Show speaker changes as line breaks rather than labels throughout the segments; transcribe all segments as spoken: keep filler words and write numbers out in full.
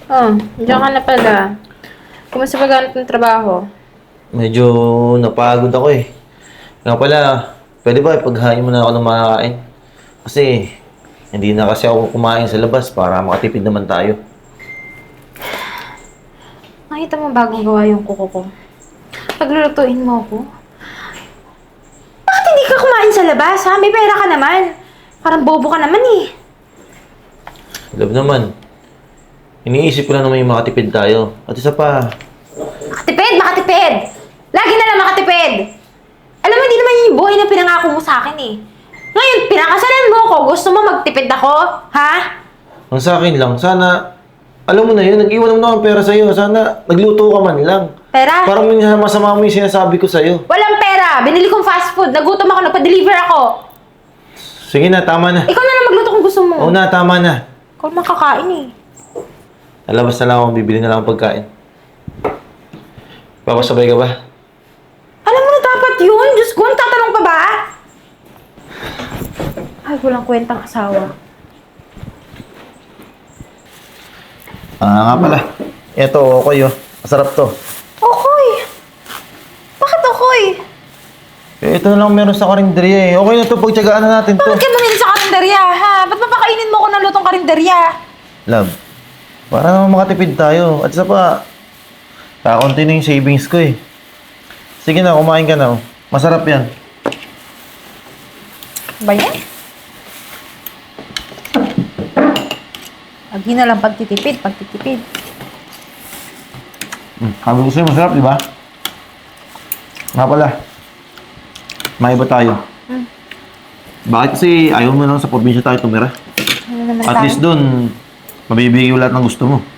Oh, diyan ka na pala. Kumusta paghanap ng trabaho?
Medyo napagod ako eh. Nga pala, pwede ba ipaghain mo na ako ng makakain? Kasi hindi na kasi ako kumain sa labas para makatipid naman tayo.
Nakita mo bagong gawa yung kuko ko. Paglulutuin mo ako. Bakit hindi ka kumain sa labas, ha? May pera ka naman. Parang bobo ka naman eh.
Love naman. Iniisip ko lang naman yung makatipid tayo. At isa pa,
Makatipid! Makatipid! Lagi na lang makatipid! Alam mo, hindi naman yun yung buhay na pinangako mo sa akin eh. Ngayon, pinakasalan mo ako. Gusto mo magtipid ako? Ha?
ang sa akin lang, sana, alam mo na yun, nag-iwan naman ako ng pera sa'yo. Sana, nagluto ka man lang.
Pera?
Parang minsan masama mo yung sinasabi ko sa'yo.
Walang pera! Binili kong fast food. Nagutom ako. Nagpa-deliver ako.
Sige na, tama na.
Ikaw na lang magluto kung gusto mo.
Oo na, tama na.
Ikaw makakain eh.
Lalabas na lang ako, bibili na lang ang pagkain. Papasabay ka ba?
Alam mo na dapat yun. Diyos ko, ang tatanong pa ba? Ay, walang kwentang asawa.
Ah, nga pala. Eto, okay oh. Masarap to.
Okoy! Bakit okoy?
Eh, ito na lang meron sa karinderya eh. Okay na to, pagtsagaan na natin to.
Bakit ka bumili sa karinderya, ha? Ba't papakainin mo ko ng lutong karinderya?
Love, para naman makatipid tayo. At isa pa, kakaunti na yung savings ko eh. Sige na, kumain ka na oh. Masarap yan.
Ba yan? Lagi na lang pagtitipid, pagtitipid.
Hmm, sabi ko sa'yo, masarap, di ba? Nga pala, may iba tayo.
Hmm.
Bakit kasi ayaw mo lang sa probinsya tayo tumira?
Ano naman
At
tayo?
least dun, mabibigay mo lahat ng gusto mo.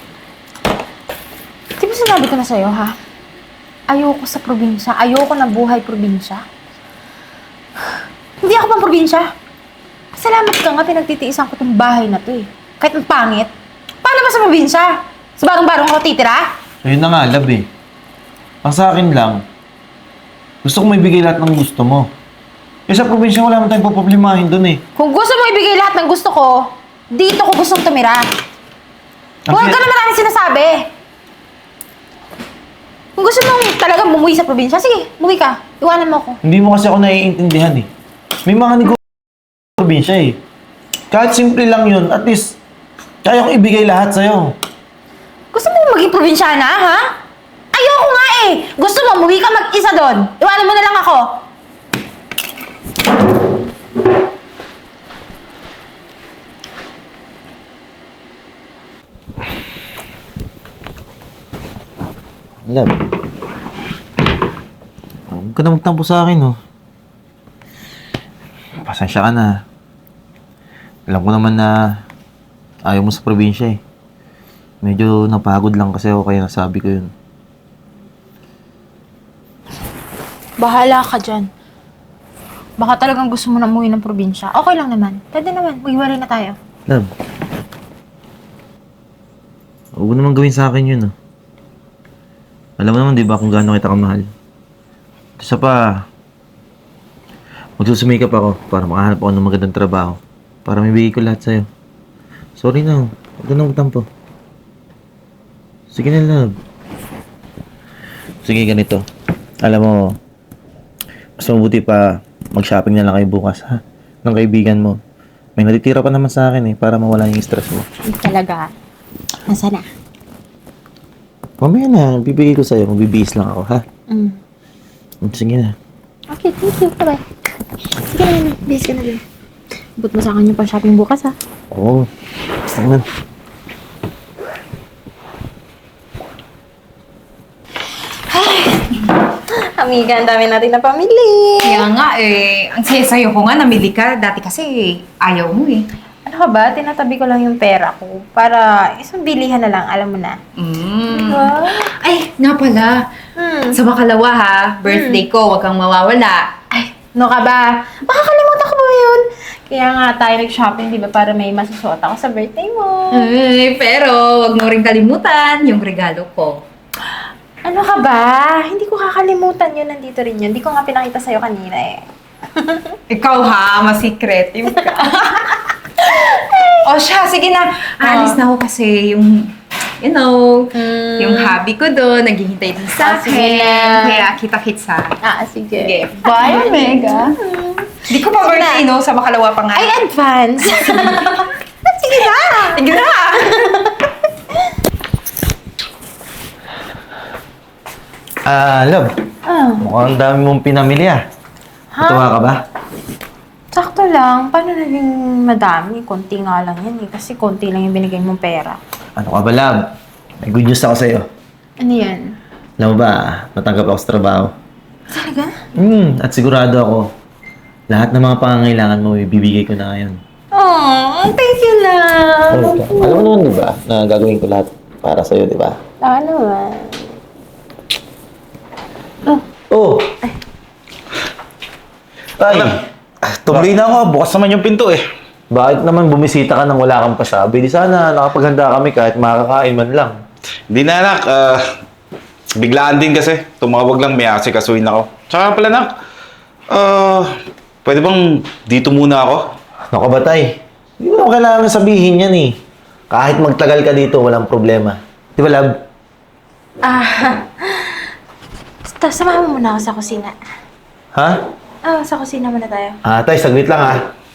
Di ba sinabi ko na sa'yo, ha? Ayoko sa probinsya. Ayoko na buhay probinsya. Hindi ako pang probinsya. Salamat ka nga, pinagtitiisan ko tong bahay na to eh. Kahit ang pangit. Paano ba sa probinsya? Sa barong-barong ako titira?
Ayun na nga, love eh. Ang sa akin lang, gusto ko may bigay lahat ng gusto mo. Eh sa probinsya, wala man tayong poproblemahin dun eh.
Kung gusto mo ibigay lahat ng gusto ko, dito ko gustong tumira. Huwag ka na maraming sinasabi. Kung gusto mong talagang bumuwi sa probinsya, sige, bumuwi ka. Iwanan mo ako.
Hindi mo kasi ako naiintindihan eh. May mga negosyo sa probinsya eh. Kahit simple lang yun, at least, kaya ko ibigay lahat sa'yo.
Gusto mo maging probinsyana, ha? Ayoko nga eh! Gusto mo, umuwi ka mag-isa doon. Iwanan mo na lang ako.
Love. Huwag ka na magtampo sa akin, oh. Pasensya ka na. Alam ko naman na ayaw mo sa probinsya, eh. Medyo napagod lang kasi ako kaya nasabi ko yun.
Bahala ka dyan. Baka talagang gusto mo na umuwi ng probinsya. Okay lang naman. Pwede naman. Maghiwalay na tayo.
Love. Huwag mo naman gawin sa akin yun, oh. Alam mo naman, di ba, kung gaano kita kamahal. Isa pa, magsusumikap ako para makahanap ako ng magandang trabaho. Para may bigay ko lahat sa'yo. Sorry na, huwag ka na magtampo. Sige na, love. Sige, ganito. Alam mo, mas mabuti pa mag-shopping na lang kayo bukas, ha? Ng kaibigan mo. May natitira pa naman sa akin, eh, para mawala yung stress mo.
Talaga. Nasaan na?
Mamaya na, bibigay ko sa'yo. Magbibihis lang ako, ha?
Mm.
Sige na.
Okay, thank you. Bye-bye. Sige na, na. Bis ka na din. Ibut mo sa akin yung pang-shopping bukas, ha?
Oo. Basta naman.
Amiga, ang dami natin na pamili.
Kaya nga eh, ang saya-sayo ko nga namili ka. Dati kasi ayaw mo eh.
Ano ka ba? Tinatabi ko lang yung pera ko para isang bilihan na lang, alam mo na.
Mm.
Wow.
Ay, nga pala.
Hmm.
Sa makalawa ha, birthday ko, huwag kang mawawala.
Ay, no ka ba? Makakalimutan ko ba yun? Kaya nga tayo nag-shopping, di ba? Para may masusuot ako sa birthday mo.
Ay, pero huwag mo rin kalimutan yung regalo ko.
Ano ka ba? Hindi ko kakalimutan yun. Nandito rin yun. Hindi ko nga pinakita sa'yo kanina eh.
Ikaw ha, mas-secretive ka. O siya, sige na. Alis na ako kasi yung you know,
Mm.
yung hobby ko doon, naghihintay din sa
Ah, sige
akin.
na.
Kaya kita-kits ha.
Ah, sige.
Sige. Bye, Omega. Di ko pa birthday, no? Sa makalawa pa nga.
Ay, advance! Sige na!
Sige na!
Ah, love.
Ah,
Mukhang dami mong pinamili ah.
Ha?
Natuwa ka ba?
sakto lang. Paano naging madami? Konti nga lang yan eh. Kasi konti lang yung binigay mong pera.
Ano ka ba, love? May good news ako sa'yo.
Ano yan?
Alam mo ba, natanggap ako sa trabaho.
Talaga?
Hmm, at sigurado ako, lahat ng mga pangangailangan mo, ibibigay ko na ngayon.
Oh, thank you lang.
Alam mo naman, di ba, na gagawin ko lahat para sa'yo, di ba?
Ah, naman.
Oh! Tay,
Tuloy na ako, bukas naman yung pinto eh.
bakit naman bumisita ka nang wala kang pasabi? Di sana nakapaghanda kami kahit makakain man lang.
Hindi na anak, ah, biglaan din kasi. Tumawag lang, may asikasuhin ako. Tsaka pala anak, ah, pwede bang dito muna ako?
Ano ka ba, Tay? Hindi mo kailangan sabihin yan eh. Kahit magtagal ka dito, walang problema. Di ba, love?
Ah, basta samahan mo muna ako sa kusina.
Ha?
Ah, sa kusina muna tayo.
Ah, Tay, saglit lang ha.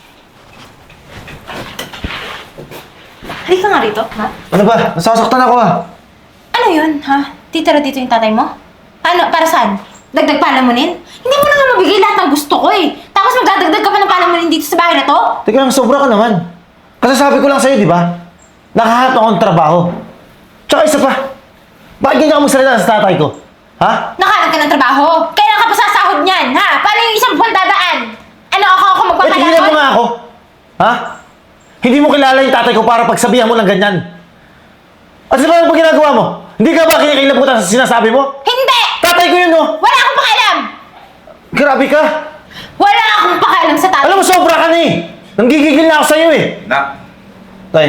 Halika nga rito, ha?
Ano ba? Nasasaktan ako ah.
Ano yun, ha? Titira dito yung tatay mo? Ano, para saan? Dagdag palamunin? Hindi mo na nga mabigay lahat ng gusto ko eh. Tapos magdadagdag ka pa ng palamunin dito sa bahay na to?
Teka lang, sobra ka naman. Kasi sabi ko lang sa'yo, di ba? Nakahanap ako ng trabaho. Tsaka isa pa, bakit ganyan ka magsalita sa tatay ko? Ha?
Nakahanap ka ng trabaho? Kailan ka pa sasahod niyan, ha? Paano yung isang buwan dadaan? Ano, ako ako
Eh, tigilan mo
magpapalakot?
nga ako. Ha? Hindi mo kilala yung tatay ko para pagsabihan mo ng ganyan. At sa ba yung ginagawa mo? Hindi ka ba kinikilabutan sa sinasabi mo?
Hindi!
Tatay ko yun, no?
Wala akong pakialam!
Grabe ka.
Wala akong pakialam sa tatay.
Alam mo, sobra ka na eh. Nanggigigil na ako sa'yo eh.
Nak,
Tay,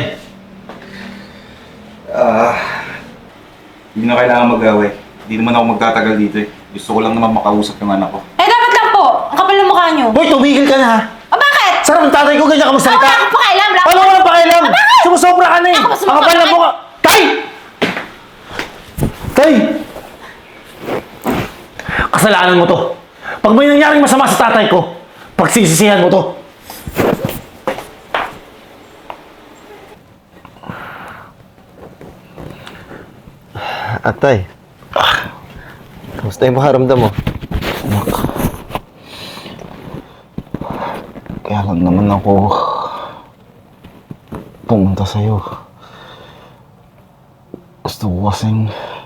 ah, hindi na kailangan mag-away. Hindi naman ako magtatagal dito eh. Gusto ko lang naman makausap yung anak ko.
Eh, dapat lang po. Ang kapal ng mukha niyo.
hoy, tumigil ka na ha.
O, bakit?
Sarap ng tatay ko, ganyan ka
Wala
magsalita.
akong pakialam. Wala
Ano
akong
walang pakialam?
Ah, bakit?
Sumusobra ka na eh.
Ako ba
Ang
sumusobra?
kapal na mukha. Tay! Tay! Kasalanan mo to. Pag may nangyaring masama sa tatay ko, pagsisisihan mo to. Atay, kamusta yung makaramdam mo?
Anak, kaya lang naman ako pumunta sa'yo. Gusto ko kasing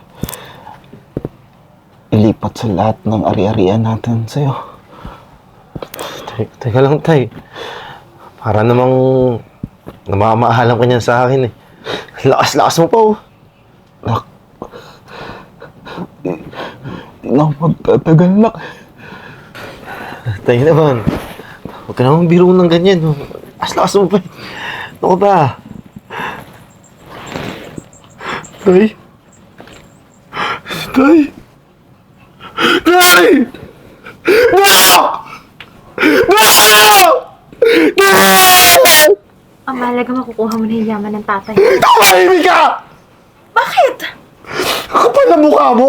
ilipat sa lahat ng ari-arian natin sa'yo.
Te- Teka lang, Tay. Para namang namamaalam ka niyan sa akin eh. Lakas-lakas mo pa oh.
Nak, di, di na ako magtatagal, nak.
Tay naman. Huwag ka naman biro ng ganyan. oh. Lakas-lakas mo pa eh. Ano ka ba? Tay? Tay? Tay! No! No! No!
Ang mahalaga makukuha mo na yung yaman ng tatay.
Tumahimik ka!
Bakit?
Ang kapal na mukha mo!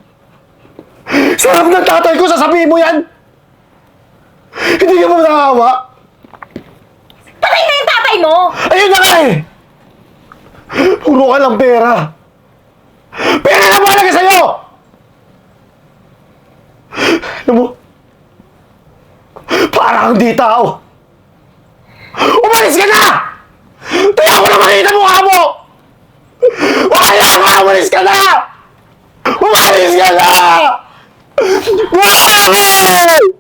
Sarap ng tatay ko, sasabihin mo yan! Hindi ka mo nakahawa?
Patay na yung tatay mo!
Ayun na nga eh! Puro ka ng pera! Pera na mahalaga sa'yo! Alam mo, parang di tao! Umalis ka na! Tayo ko na makita mukha mo! Wala ka! Umalis ka na! Umalis ka na! No!